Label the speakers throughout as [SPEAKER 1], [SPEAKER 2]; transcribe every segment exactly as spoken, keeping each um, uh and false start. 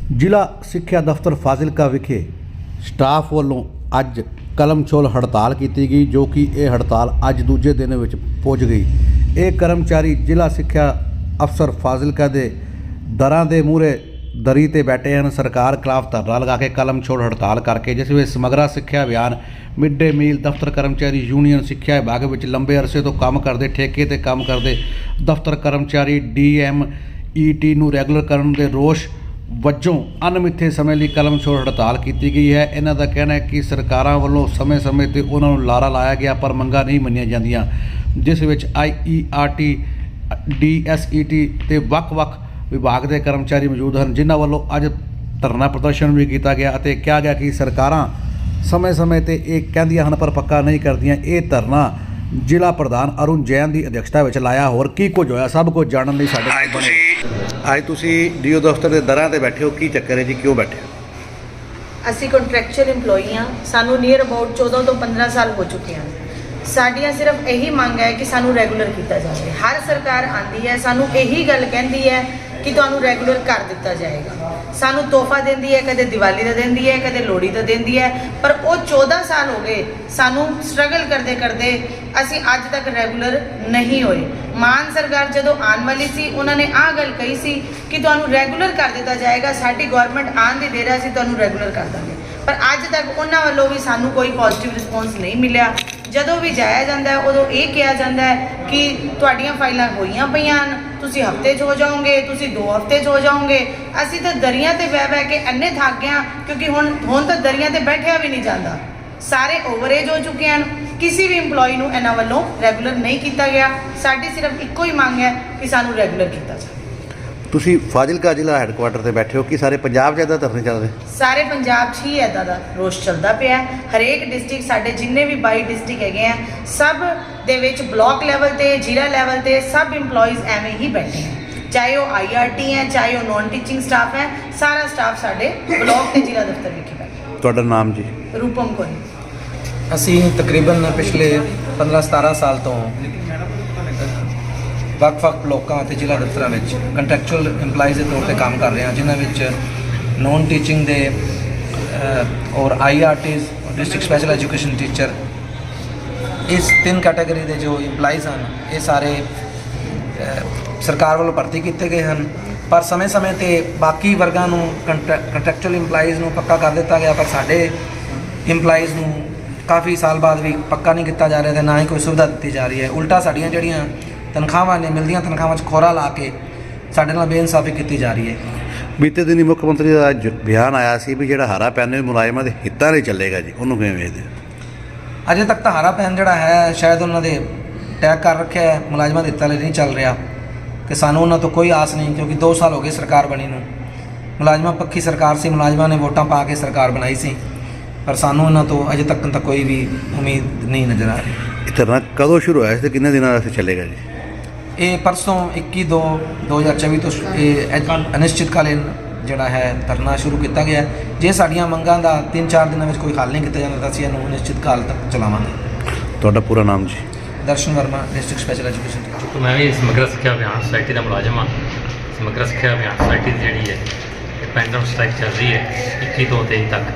[SPEAKER 1] ਜ਼ਿਲ੍ਹਾ ਸਿੱਖਿਆ ਦਫ਼ਤਰ ਫਾਜ਼ਿਲਕਾ ਵਿਖੇ ਸਟਾਫ ਵੱਲੋਂ ਅੱਜ ਕਲਮਛੋਲ ਹੜਤਾਲ ਕੀਤੀ ਗਈ, ਜੋ ਕਿ ਇਹ ਹੜਤਾਲ ਅੱਜ ਦੂਜੇ ਦਿਨ ਵਿੱਚ ਪੁੱਜ ਗਈ। ਇਹ ਕਰਮਚਾਰੀ ਜ਼ਿਲ੍ਹਾ ਸਿੱਖਿਆ ਅਫਸਰ ਫਾਜ਼ਿਲਕਾ ਦੇ ਦਰਾਂ ਦੇ ਮੂਹਰੇ ਦਰੀ ਤੇ ਬੈਠੇ ਹਨ। ਸਰਕਾਰ ਖਿਲਾਫ ਧਰਨਾ ਲਗਾ ਕੇ ਕਲਮਛੋਲ ਹੜਤਾਲ ਕਰਕੇ, ਜਿਸ ਵਿੱਚ ਸਮਗਰਾ ਸਿੱਖਿਆ ਅਭਿਆਨ, ਮਿਡ ਡੇ ਮੀਲ, ਦਫ਼ਤਰ ਕਰਮਚਾਰੀ ਯੂਨੀਅਨ, ਸਿੱਖਿਆ ਵਿਭਾਗ ਵਿੱਚ ਲੰਬੇ ਅਰਸੇ ਤੋਂ ਕੰਮ ਕਰਦੇ, ਠੇਕੇ ਤੇ ਕੰਮ ਕਰਦੇ ਦਫ਼ਤਰ ਕਰਮਚਾਰੀ ਡੀ ਐਮ ਈ ਟੀ ਨੂੰ ਰੈਗੂਲਰ ਕਰਨ ਦੇ ਰੋਸ਼ ਵਜੋਂ ਅਣਮਿੱਥੇ ਸਮੇਂ ਲਈ ਕਲਮਛੋਲ ਹੜਤਾਲ ਕੀਤੀ ਗਈ ਹੈ। ਇਹਨਾਂ ਦਾ ਕਹਿਣਾ ਹੈ ਕਿ ਸਰਕਾਰਾਂ ਵੱਲੋਂ ਸਮੇਂ-ਸਮੇਂ ਤੇ ਉਹਨਾਂ ਨੂੰ ਲਾਰਾ ਲਾਇਆ ਗਿਆ, ਪਰ ਮੰਗਾਂ ਨਹੀਂ ਮੰਨੀਆਂ ਜਾਂਦੀਆਂ, ਜਿਸ ਵਿੱਚ I E R T, D S E T ਤੇ ਵੱਖ-ਵੱਖ ਵਿਭਾਗ ਦੇ ਕਰਮਚਾਰੀ ਮੌਜੂਦ ਹਨ, ਜਿਨ੍ਹਾਂ ਵੱਲੋਂ ਅੱਜ ਧਰਨਾ ਪ੍ਰਦਰਸ਼ਨ ਵੀ ਕੀਤਾ ਗਿਆ ਅਤੇ ਕਿਹਾ ਗਿਆ ਕਿ ਸਰਕਾਰਾਂ ਸਮੇਂ-ਸਮੇਂ ਤੇ ਇਹ ਕਹਿੰਦੀਆਂ ਹਨ ਪਰ ਪੱਕਾ ਨਹੀਂ ਕਰਦੀਆਂ। ਇਹ ਧਰਨਾ ਜ਼ਿਲ੍ਹਾ ਪ੍ਰਧਾਨ ਅਰੁਣ ਜੈਨ ਦੀ ਅਧਿਕਸ਼ਤਾ ਵਿੱਚ ਲਾਇਆ। ਹੋਰ ਕੀ ਕੁਝ ਹੋਇਆ, ਸਭ ਕੁਝ ਜਾਣਨ ਲਈ ਸਾਡੇ ਨਾਲ ਬਣੇ। ਅੱਜ ਤੁਸੀਂ ਡੀਓ ਦਫ਼ਤਰ ਦੇ ਦਰਾਂ ਤੇ ਬੈਠੇ ਹੋ, ਕੀ ਚੱਕਰ ਹੈ ਜੀ, ਕਿਉਂ ਬੈਠੇ ਹੋ?
[SPEAKER 2] ਅਸੀਂ ਕੰਟਰੈਕਚੁਅਲ ਇੰਪਲੋਈ ਹਾਂ, ਸਾਨੂੰ ਨੀਅਰ ਅਬਾਊਟ ਚੌਦਾਂ ਤੋਂ ਪੰਦਰਾਂ ਸਾਲ ਹੋ ਚੁੱਕੇ ਹਨ। ਸਾਡੀਆਂ ਸਿਰਫ ਇਹੀ ਮੰਗ ਹੈ ਕਿ ਸਾਨੂੰ ਰੈਗੂਲਰ ਕੀਤਾ ਜਾਵੇ। ਹਰ ਸਰਕਾਰ ਆਉਂਦੀ ਹੈ, ਸਾਨੂੰ ਇਹੀ ਗੱਲ ਕਹਿੰਦੀ ਹੈ ਕਿ ਤੁਹਾਨੂੰ ਰੈਗੂਲਰ ਕਰ ਦਿੱਤਾ ਜਾਏਗਾ। ਸਾਨੂੰ ਤੋਹਫਾ ਦਿੰਦੀ ਹੈ, ਕਦੇ ਦੀਵਾਲੀ ਦਾ ਦਿੰਦੀ ਹੈ, ਕਦੇ ਲੋਹੜੀ ਦਾ ਦਿੰਦੀ ਹੈ, ਪਰ ਉਹ ਚੌਦਾਂ ਸਾਲ ਹੋ ਗਏ ਸਾਨੂੰ ਸਟਰਗਲ ਕਰਦੇ ਕਰਦੇ ਅਸੀਂ ਅੱਜ ਤੱਕ ਰੈਗੂਲਰ ਨਹੀਂ ਹੋਏ। ਮਾਨ ਸਰਕਾਰ ਜਦੋਂ ਆਉਣ ਵਾਲੀ ਸੀ, ਉਹਨਾਂ ਨੇ ਆਹ ਗੱਲ ਕਹੀ ਸੀ ਕਿ ਤੁਹਾਨੂੰ ਰੈਗੂਲਰ ਕਰ ਦਿੱਤਾ ਜਾਏਗਾ, ਸਾਡੀ ਗਵਰਨਮੈਂਟ ਆਉਣ ਦੀ ਦੇਰ ਹੈ, ਅਸੀਂ ਤੁਹਾਨੂੰ ਰੈਗੂਲਰ ਕਰ ਦਾਂਗੇ, ਪਰ ਅੱਜ ਤੱਕ ਉਹਨਾਂ ਵੱਲੋਂ ਵੀ ਸਾਨੂੰ ਕੋਈ ਪੋਜ਼ਿਟਿਵ ਰਿਸਪੌਂਸ ਨਹੀਂ ਮਿਲਿਆ। ਜਦੋਂ ਵੀ ਜਾਇਆ ਜਾਂਦਾ ਹੈ ਉਦੋਂ ਇਹ ਕਿਹਾ ਜਾਂਦਾ ਹੈ ਕਿ ਤੁਹਾਡੀਆਂ ਫਾਈਲਾਂ ਹੋਈਆਂ ਪਈਆਂ ਹਨ, ਤੁਸੀਂ ਹਫ਼ਤੇ 'ਚ ਹੋ ਜਾਓਗੇ, ਤੁਸੀਂ ਦੋ ਹਫ਼ਤੇ 'ਚ ਹੋ ਜਾਓਗੇ। ਅਸੀਂ ਤਾਂ ਦਰੀਆਂ ਤੇ ਬਹਿ ਬਹਿ ਕੇ ਇੰਨੇ ਥੱਕ ਗਏ ਹਾਂ, ਕਿਉਂਕਿ ਹੁਣ ਹੁਣ ਤਾਂ ਦਰੀਆਂ ਤੇ ਬੈਠਿਆ ਵੀ ਨਹੀਂ ਜਾਂਦਾ, ਸਾਰੇ ਓਵਰਏਜ ਹੋ ਚੁੱਕੇ ਹਨ। ਕਿਸੇ ਵੀ ਇੰਪਲੋਈ ਨੂੰ ਇਹਨਾਂ ਵੱਲੋਂ ਰੈਗੂਲਰ ਨਹੀਂ ਕੀਤਾ ਗਿਆ। ਸਾਡੀ ਸਿਰਫ ਇੱਕੋ ਹੀ ਮੰਗ ਹੈ ਕਿ ਸਾਨੂੰ ਰੈਗੂਲਰ ਕੀਤਾ ਜਾਵੇ।
[SPEAKER 1] ਤੁਸੀਂ ਫਾਜ਼ਿਲਕਾ ਜ਼ਿਲ੍ਹਾ ਹੈੱਡਕੁਆਟਰ ਤੇ ਬੈਠੇ ਹੋ, ਕਿ ਸਾਰੇ ਪੰਜਾਬ 'ਚ ਇੱਦਾਂ ਧਰਨੇ ਚੱਲ ਰਹੇ?
[SPEAKER 2] ਸਾਰੇ ਪੰਜਾਬ 'ਚ ਹੀ ਇੱਦਾਂ ਦਾ ਰੋਸ਼ ਚੱਲਦਾ ਪਿਆ। ਹਰੇਕ ਡਿਸਟ੍ਰਿਕਟ, ਸਾਡੇ ਜਿੰਨੇ ਵੀ ਬਾਈ ਡਿਸਟ੍ਰਿਕਟ ਹੈਗੇ ਆ, ਸਭ ਦੇ ਵਿੱਚ ਬਲਾਕ ਲੈਵਲ ਤੇ, ਜ਼ਿਲ੍ਹਾ ਲੈਵਲ ਤੇ ਸਭ ਇੰਪਲੋਈਜ਼ ਐਵੇਂ ਹੀ ਬੈਠੇ ਹੈ, ਚਾਹੇ ਉਹ ਆਈ ਆਰ ਟੀ ਹੈ, ਚਾਹੇ ਉਹ ਨੌਨ ਟੀਚਿੰਗ ਸਟਾਫ ਹੈ, ਸਾਰਾ ਸਟਾਫ ਸਾਡੇ ਬਲਾਕ ਤੇ ਜ਼ਿਲ੍ਹਾ ਦਫ਼ਤਰ ਵਿਖੇ ਬੈਠੇ।
[SPEAKER 1] ਤੁਹਾਡਾ ਨਾਮ ਜੀ?
[SPEAKER 2] ਰੂਪਮ ਕੋਰੀ।
[SPEAKER 3] ਅਸੀਂ ਤਕਰੀਬਨ ਪਿਛਲੇ ਪੰਦਰਾਂ ਸਤਾਰਾਂ ਸਾਲ ਤੋਂ ਵੱਖ-ਵੱਖ ਬਲੋਕਾਂ ਅਤੇ ਜ਼ਿਲ੍ਹਾ ਦਫ਼ਤਰਾਂ ਵਿੱਚ ਕੰਟਰੈਕਚੁਅਲ ਇੰਪਲਾਈਜ਼ ਦੇ ਤੌਰ 'ਤੇ ਕੰਮ ਕਰ ਰਹੇ ਹਾਂ, ਜਿਨ੍ਹਾਂ ਵਿੱਚ ਨੌਨ ਟੀਚਿੰਗ ਦੇ ਔਰ I R Ts, district special education teacher, ਇਸ ਤਿੰਨ ਕੈਟਾਗਰੀ ਦੇ ਜੋ ਇੰਪਲਾਈਜ਼ ਹਨ, ਇਹ ਸਾਰੇ ਸਰਕਾਰ ਵੱਲੋਂ ਭਰਤੀ ਕੀਤੇ ਗਏ ਹਨ। ਪਰ ਸਮੇਂ-ਸਮੇਂ 'ਤੇ ਬਾਕੀ ਵਰਗਾਂ ਨੂੰ ਕੰਟਰੈਕਚੁਅਲ ਇੰਪਲਾਈਜ਼ ਨੂੰ ਪੱਕਾ ਕਰ ਦਿੱਤਾ ਗਿਆ, ਪਰ ਸਾਡੇ ਇੰਪਲਾਈਜ਼ ਨੂੰ ਕਾਫੀ ਸਾਲ ਬਾਅਦ ਵੀ ਪੱਕਾ ਨਹੀਂ ਕੀਤਾ ਜਾ ਰਿਹਾ ਅਤੇ ਨਾ ਹੀ ਕੋਈ ਸੁਵਿਧਾ ਦਿੱਤੀ ਜਾ ਰਹੀ ਹੈ। ਉਲਟਾ ਸਾਡੀਆਂ ਜਿਹੜੀਆਂ ਤਨਖਾਹਾਂ ਨੇ, ਮਿਲਦੀਆਂ ਤਨਖਾਹਾਂ 'ਚ ਖੋਰਾ ਲਾ ਕੇ ਸਾਡੇ ਨਾਲ ਬੇਇਨਸਾਫੀ ਕੀਤੀ ਜਾ ਰਹੀ ਹੈ।
[SPEAKER 1] ਬੀਤੇ ਦਿਨੀ ਮੁੱਖ ਮੰਤਰੀ ਦਾ ਅੱਜ ਬਿਆਨ ਆਇਆ ਸੀ ਵੀ ਜਿਹੜਾ ਹਾਰਾ ਪੈਨ ਮੁਲਾਜ਼ਮਾਂ ਦੇ ਹਿੱਤਾਂ ਲਈ ਚੱਲੇਗਾ ਜੀ, ਉਹਨੂੰ ਕਿਵੇਂ ਵੇਖਦੇ ਹੋ?
[SPEAKER 3] ਅਜੇ ਤੱਕ ਤਾਂ ਹਾਰਾ ਪੈਨ ਜਿਹੜਾ ਹੈ ਸ਼ਾਇਦ ਉਹਨਾਂ ਦੇ ਟੈਗ ਕਰ ਰੱਖਿਆ ਹੈ, ਮੁਲਾਜ਼ਮਾਂ ਦੇ ਹਿੱਤਾਂ ਲਈ ਨਹੀਂ ਚੱਲ ਰਿਹਾ, ਕਿ ਸਾਨੂੰ ਉਹਨਾਂ ਤੋਂ ਕੋਈ ਆਸ ਨਹੀਂ, ਕਿਉਂਕਿ ਦੋ ਸਾਲ ਹੋ ਗਏ ਸਰਕਾਰ ਬਣੀ ਨੂੰ। ਮੁਲਾਜ਼ਮਾਂ ਪੱਖੀ ਸਰਕਾਰ ਸੀ, ਮੁਲਾਜ਼ਮਾਂ ਨੇ ਵੋਟਾਂ ਪਾ ਕੇ ਸਰਕਾਰ ਬਣਾਈ ਸੀ, ਪਰ ਸਾਨੂੰ ਉਹਨਾਂ ਤੋਂ ਅਜੇ ਤੱਕ ਤਾਂ ਕੋਈ ਵੀ ਉਮੀਦ ਨਹੀਂ ਨਜ਼ਰ ਆ ਰਹੀ।
[SPEAKER 1] ਇਹ ਧਰਨਾ ਕਦੋਂ ਸ਼ੁਰੂ ਹੋਇਆ ਸੀ ਤੇ ਕਿੰਨੇ ਦਿਨਾਂ ਵਾਸਤੇ ਚੱਲੇਗਾ ਜੀ?
[SPEAKER 3] ਇਹ ਪਰਸੋਂ ਇੱਕੀ ਦੋ ਦੋ ਹਜ਼ਾਰ ਚੌਵੀ ਤੋਂ ਇਹ ਅਨਿਸ਼ਚਿਤਕਾਲੀਨ ਜਿਹੜਾ ਹੈ ਧਰਨਾ ਸ਼ੁਰੂ ਕੀਤਾ ਗਿਆ। ਜੇ ਸਾਡੀਆਂ ਮੰਗਾਂ ਦਾ ਤਿੰਨ ਚਾਰ ਦਿਨਾਂ ਵਿੱਚ ਕੋਈ ਹੱਲ ਨਹੀਂ ਕੀਤਾ ਜਾਂਦਾ ਤਾਂ ਅਸੀਂ ਇਹਨੂੰ ਅਨਿਸ਼ਚਿਤ ਕਾਲ ਤੱਕ ਚਲਾਵਾਂਗੇ।
[SPEAKER 1] ਤੁਹਾਡਾ ਪੂਰਾ ਨਾਮ ਜੀ?
[SPEAKER 3] Darshan Verma, district special education teacher.
[SPEAKER 4] ਮੈਂ ਵੀ ਸਮਗਰਾ ਸਿੱਖਿਆ ਅਭਿਆਨ ਸੁਸਾਇਟੀ ਦਾ ਮੁਲਾਜ਼ਮ ਹਾਂ। ਸਮਗਰਾ ਸਿੱਖਿਆ ਅਭਿਆਨ ਸੁਸਾਇਟੀ ਦੀ ਜਿਹੜੀ ਹੈ ਇਹ ਪੈਂਡਮ ਸਟ੍ਰਾਈਕ ਚੱਲ ਰਹੀ ਹੈ ਇੱਕੀ ਤੋਂ ਤੇਈ ਤੱਕ।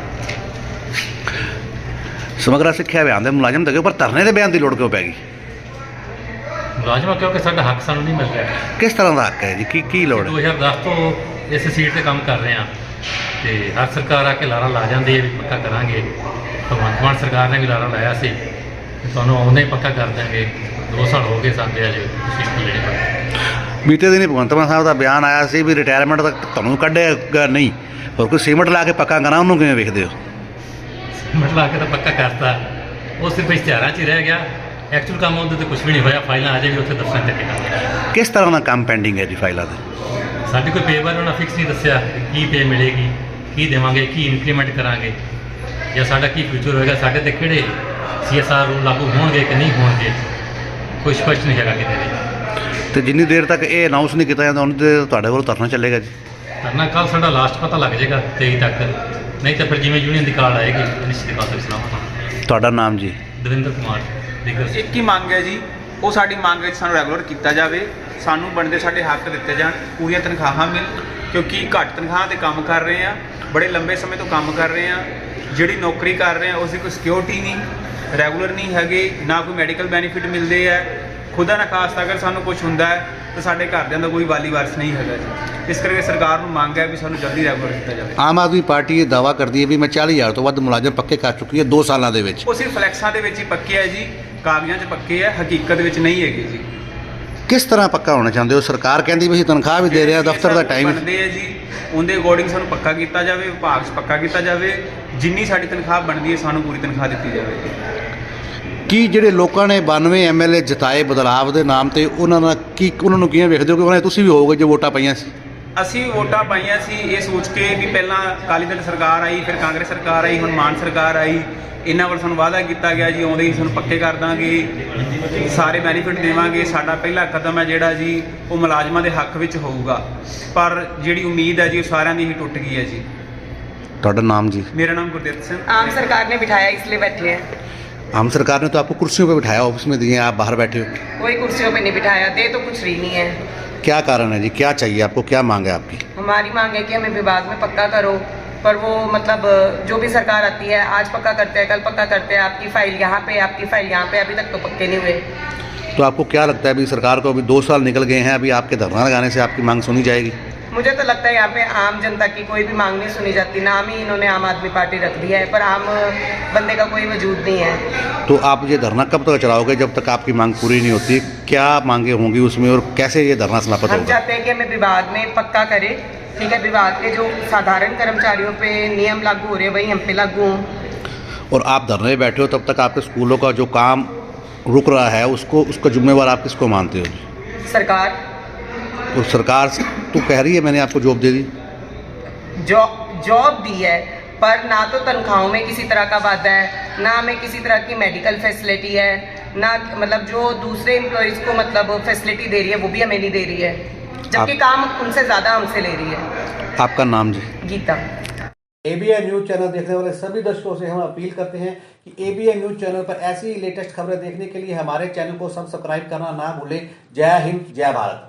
[SPEAKER 1] ਸਮਗਰਾ ਸਿੱਖਿਆ ਅਭਿਆਨ ਦੇ ਮੁਲਾਜ਼ਮ ਤਾਂ ਪਰ ਧਰਨੇ ਦੇ ਬਿਆਨ ਦੀ ਲੋੜ ਕਿਉਂ ਪੈ ਗਈ?
[SPEAKER 4] ਮੁਲਾਜ਼ਮਾਂ ਕਿਉਂਕਿ ਸਾਡਾ ਹੱਕ ਸਾਨੂੰ ਨਹੀਂ ਮਿਲ ਰਿਹਾ।
[SPEAKER 1] ਕਿਸ ਤਰ੍ਹਾਂ ਦਾ ਹੱਕ ਹੈ ਜੀ, ਕੀ ਕੀ ਲੋੜ ਹੈ?
[SPEAKER 4] ਦੋ ਹਜ਼ਾਰ ਦਸ ਤੋਂ ਇਸ ਸੀਟ 'ਤੇ ਕੰਮ ਕਰ ਰਹੇ ਹਾਂ ਅਤੇ ਹਰ ਸਰਕਾਰ ਆ ਕੇ ਲਾਰਾ ਲਾ ਜਾਂਦੀ ਹੈ ਵੀ ਪੱਕਾ ਕਰਾਂਗੇ। ਭਗਵੰਤ ਮਾਨ ਸਰਕਾਰ ਨੇ ਵੀ ਲਾਰਾ ਲਾਇਆ ਸੀ ਕਿ ਤੁਹਾਨੂੰ ਆਉਂਦੇ ਹੀ ਪੱਕਾ ਕਰ ਦਿਆਂਗੇ। ਦੋ ਸਾਲ ਹੋ ਗਏ ਸਾਡੇ ਅਜੇ ਸੀਟ ਲੈਣੇ ਪਏ।
[SPEAKER 1] ਬੀਤੇ ਦਿਨ ਭਗਵੰਤ ਮਾਨ ਸਾਹਿਬ ਦਾ ਬਿਆਨ ਆਇਆ ਸੀ ਵੀ ਰਿਟਾਇਰਮੈਂਟ ਤੱਕ ਤੁਹਾਨੂੰ ਕੱਢਿਆ ਨਹੀਂ, ਹੋਰ ਕੋਈ ਸੀਮੈਂਟ ਲਾ ਕੇ ਪੱਕਾ ਕਰਾਂ, ਉਹਨੂੰ ਕਿਵੇਂ ਵੇਖਦੇ ਹੋ?
[SPEAKER 4] ਸੀਮੈਂਟ ਲਾ ਕੇ ਤਾਂ ਪੱਕਾ ਕਰਤਾ, ਉਹ ਸਿਰਫ ਇਸ਼ਤਿਹਾਰਾਂ 'ਚ ਹੀ ਰਹਿ ਗਿਆ। ਐਕਚੁਅਲ ਕੰਮ ਉਹਦੇ 'ਤੇ ਕੁਛ ਵੀ ਨਹੀਂ ਹੋਇਆ। ਫਾਈਲਾਂ ਅਜੇ ਵੀ ਉੱਥੇ ਦਫ਼ਤਰਾਂ 'ਤੇ ਟਿਕੀਆਂ।
[SPEAKER 1] ਕਿਸ ਤਰ੍ਹਾਂ ਦਾ ਕੰਮ ਪੈਂਡਿੰਗ ਹੈ ਜੀ ਫਾਈਲਾਂ ਦੇ?
[SPEAKER 4] ਸਾਡੀ ਕੋਈ ਪੇ ਬਾਰੇ ਉਹਨਾਂ ਫਿਕਸ ਨਹੀਂ ਦੱਸਿਆ, ਕੀ ਪੇ ਮਿਲੇਗੀ, ਕੀ ਦੇਵਾਂਗੇ, ਕੀ ਇੰਪਲੀਮੈਂਟ ਕਰਾਂਗੇ, ਜਾਂ ਸਾਡਾ ਕੀ ਫਿਊਚਰ ਹੋਏਗਾ, ਸਾਡੇ 'ਤੇ ਕਿਹੜੇ ਸੀ ਐਸ ਆਰ ਰੂਲ ਲਾਗੂ ਹੋਣਗੇ ਕਿ ਨਹੀਂ ਹੋਣਗੇ, ਕੋਈ ਸਪਸ਼ਟ ਨਹੀਂ ਹੈਗਾ ਕਿਤੇ ਵੀ।
[SPEAKER 1] ਅਤੇ ਜਿੰਨੀ ਦੇਰ ਤੱਕ ਇਹ ਅਨਾਊਂਸ ਨਹੀਂ ਕੀਤਾ ਜਾਂਦਾ ਉਨੀ ਦੇਰ ਤੁਹਾਡੇ ਕੋਲ ਧਰਨਾ ਚੱਲੇਗਾ ਜੀ?
[SPEAKER 4] ਧਰਨਾ ਕੱਲ੍ਹ ਸਾਡਾ ਲਾਸਟ ਪਤਾ ਲੱਗ ਜਾਏਗਾ ਤੇਈ ਤੱਕ, ਨਹੀਂ ਤਾਂ ਫਿਰ ਜਿਵੇਂ ਯੂਨੀਅਨ ਦੀ ਕਾਲ ਆਏਗੀ ਨਿਸ਼ਚਿਤ ਕਾਲ ਤੱਕ ਚਲਾਵਾਂਗੇ।
[SPEAKER 1] ਤੁਹਾਡਾ ਨਾਮ ਜੀ?
[SPEAKER 4] ਦਵਿੰਦਰ ਕੁਮਾਰ।
[SPEAKER 5] ਇੱਕ ਹੀ ਮੰਗ ਹੈ ਜੀ, ਉਹ ਸਾਡੀ ਮੰਗ ਵਿੱਚ ਸਾਨੂੰ ਰੈਗੂਲਰ ਕੀਤਾ ਜਾਵੇ, ਸਾਨੂੰ ਬਣਦੇ ਸਾਡੇ ਹੱਕ ਦਿੱਤੇ ਜਾਣ, ਪੂਰੀਆਂ ਤਨਖਾਹਾਂ ਮਿਲ ਕਿਉਂਕਿ ਘੱਟ ਤਨਖਾਹ ਤੇ ਕੰਮ ਕਰ ਰਹੇ ਆ, ਬੜੇ ਲੰਬੇ ਸਮੇਂ ਤੋਂ ਕੰਮ ਕਰ ਰਹੇ ਆ। ਜਿਹੜੀ ਨੌਕਰੀ ਕਰ ਰਹੇ ਆ ਉਸ ਦੀ ਕੋਈ ਸਿਕਿਉਰਿਟੀ ਨਹੀਂ, ਰੈਗੂਲਰ ਨਹੀਂ ਹੈਗੇ, ਨਾ ਕੋਈ ਮੈਡੀਕਲ ਬੈਨੀਫਿਟ ਮਿਲਦੇ ਆ। ਖੁਦਾ ਨਾ ਖਾਸਤਾ ਅਗਰ ਸਾਨੂੰ ਕੁਝ ਹੁੰਦਾ ਹੈ ਤਾਂ ਸਾਡੇ ਘਰਦਿਆਂ ਦਾ ਕੋਈ ਵਾਲੀ ਵਾਰਸ ਨਹੀਂ ਹੈਗਾ ਜੀ। ਇਸ ਕਰਕੇ ਸਰਕਾਰ ਨੂੰ ਮੰਗ ਹੈ ਵੀ ਸਾਨੂੰ ਜਲਦੀ ਰੈਗੂਲਰ ਕੀਤਾ ਜਾਵੇ।
[SPEAKER 1] ਆਮ ਆਦਮੀ ਪਾਰਟੀ ਇਹ ਦਾਅਵਾ ਕਰਦੀ ਹੈ ਵੀ ਮੈਂ ਚਾਲੀ ਹਜ਼ਾਰ ਤੋਂ ਵੱਧ ਮੁਲਾਜ਼ਮ ਪੱਕੇ ਕਰ ਚੁੱਕੀ ਹੈ ਦੋ ਸਾਲਾਂ ਦੇ ਵਿੱਚ।
[SPEAKER 5] ਉਹ ਸਿਰਫ ਫਲੈਕਸਾਂ ਦੇ ਵਿੱਚ ਹੀ ਪੱਕੇ ਹੈ ਜੀ, ਕਾਗਜ਼ਾਂ 'ਚ ਪੱਕੇ ਹੈ, ਹਕੀਕਤ ਵਿੱਚ ਨਹੀਂ ਹੈਗੇ ਜੀ।
[SPEAKER 1] ਕਿਸ ਤਰ੍ਹਾਂ ਪੱਕਾ ਹੋਣਾ ਚਾਹੁੰਦੇ ਹੋ? ਸਰਕਾਰ ਕਹਿੰਦੀ ਵੀ ਅਸੀਂ ਤਨਖਾਹ ਵੀ ਦੇ ਰਹੇ ਹਾਂ, ਦਫ਼ਤਰ ਦਾ ਟਾਈਮ
[SPEAKER 5] ਬਣਦੇ ਹੈ ਜੀ, ਉਹਦੇ ਅਕੋਰਡਿੰਗ ਸਾਨੂੰ ਪੱਕਾ ਕੀਤਾ ਜਾਵੇ, ਵਿਭਾਗ 'ਚ ਪੱਕਾ ਕੀਤਾ ਜਾਵੇ। ਜਿੰਨੀ ਸਾਡੀ ਤਨਖਾਹ ਬਣਦੀ ਹੈ ਸਾਨੂੰ ਪੂਰੀ ਤਨਖਾਹ ਦਿੱਤੀ ਜਾਵੇ।
[SPEAKER 1] ਕੀ ਜਿਹੜੇ ਲੋਕਾਂ ਨੇ ਬਾਨਵੇਂ ਐਮ ਐਲ ਏ ਜਿਤਾਏ ਬਦਲਾਵ ਦੇ ਨਾਮ ਤੇ ਉਹਨਾਂ ਦਾ ਕੀ ਉਹਨਾਂ ਨੂੰ ਕਿਵੇਂ ਵੇਖਦੇ ਹੋ ਕਿ ਉਹਨਾਂ ਤੁਸੀਂ ਵੀ ਹੋਵੋਗੇ ਜੋ ਵੋਟਾਂ ਪਾਈਆਂ ਸੀ?
[SPEAKER 5] ਅਸੀਂ ਵੋਟਾਂ ਪਾਈਆਂ ਸੀ ਇਹ ਸੋਚ ਕੇ ਵੀ ਪਹਿਲਾਂ ਅਕਾਲੀ ਦਲ ਸਰਕਾਰ ਆਈ, ਫਿਰ ਕਾਂਗਰਸ ਸਰਕਾਰ ਆਈ, ਹੁਣ ਮਾਨ ਸਰਕਾਰ ਆਈ। ਇਹਨਾਂ ਵੱਲ ਸਾਨੂੰ ਵਾਅਦਾ ਕੀਤਾ ਗਿਆ ਜੀ ਆਉਂਦੇ ਹੀ ਸਾਨੂੰ ਪੱਕੇ ਕਰ ਦਾਂਗੇ, ਸਾਰੇ ਬੈਨੀਫਿਟ ਦੇਵਾਂਗੇ। ਸਾਡਾ ਪਹਿਲਾ ਕਦਮ ਹੈ ਜਿਹੜਾ ਜੀ ਉਹ ਮੁਲਾਜ਼ਮਾਂ ਦੇ ਹੱਕ ਵਿੱਚ ਹੋਊਗਾ, ਪਰ ਜਿਹੜੀ ਉਮੀਦ ਹੈ ਜੀ ਉਹ ਸਾਰਿਆਂ ਦੀ ਹੀ ਟੁੱਟ ਗਈ ਹੈ ਜੀ।
[SPEAKER 1] ਤੁਹਾਡਾ ਨਾਮ ਜੀ?
[SPEAKER 5] मेरा नाम गुरदीप सिंह।
[SPEAKER 2] आम सरकार ने बिठाया इसलिए बैठे हैं।
[SPEAKER 1] आम सरकार ने तो आपको कुर्सियों पर बिठाया, ऑफिस में दिए, आप बाहर बैठे हो।
[SPEAKER 2] कोई कुर्सियों पे नहीं बिठाया, दे तो कुछ रही नहीं है।
[SPEAKER 1] क्या कारण है जी, क्या चाहिए आपको, क्या मांग है आपकी?
[SPEAKER 2] हमारी मांग है कि हमें विभाग में पक्का करो, पर वो मतलब जो भी सरकार आती है आज पक्का करते हैं, कल पक्का करते हैं। आपकी फाइल यहाँ पे, आपकी फाइल यहाँ पे, अभी तक तो पक्के नहीं हुए।
[SPEAKER 1] तो आपको क्या लगता है अभी सरकार को अभी दो साल निकल गए हैं, अभी आपके धरना लगाने से आपकी मांग सुनी जाएगी?
[SPEAKER 2] मुझे तो लगता है यहाँ पे आम जनता की कोई भी मांग नहीं सुनी जाती। नाम ही इन्होंने आम आदमी पार्टी रख दिया है, पर आम बंदे का कोई वजूद नहीं है।
[SPEAKER 1] तो आप ये धरना कब तक चलाओगे जब तक आपकी मांग पूरी नहीं होती? क्या मांगे होंगी उसमें और कैसे ये धरना समाप्त
[SPEAKER 2] हम
[SPEAKER 1] होगा?
[SPEAKER 2] चाहते हैं कि हमें विभाग में पक्का करे, ठीक है। विभाग के जो साधारण कर्मचारियों पे नियम लागू हो रहे हैं वही हम पे लागू हों।
[SPEAKER 1] और आप धरने में बैठे हो तब तक आपके स्कूलों का जो काम रुक रहा है उसको उसका जिम्मेवार आप किसको मानते हो?
[SPEAKER 2] सरकार
[SPEAKER 1] तो सरकार तो कह रही है मैंने आपको जॉब दे दी,
[SPEAKER 2] जॉब जॉब दी है, पर ना तो तनख्वाहों में किसी तरह का वादा है, ना हमें किसी तरह की मेडिकल फैसिलिटी है, ना मतलब जो दूसरे एम्प्लॉयज़ को मतलब फैसिलिटी दे रही है वो भी हमें नहीं दे रही है, जबकि
[SPEAKER 1] आप,
[SPEAKER 2] काम उनसे ज़्यादा हमसे ले रही है।
[SPEAKER 1] आपका नाम जी?
[SPEAKER 2] गीता।
[SPEAKER 1] एबीएन न्यूज़ चैनल देखने वाले सभी दर्शकों से हम अपील करते हैं कि एबीएन न्यूज़ चैनल पर ऐसी लेटेस्ट खबरें देखने के लिए हमारे चैनल को सब्सक्राइब करना ना भूलें। जय हिंद, जय भारत।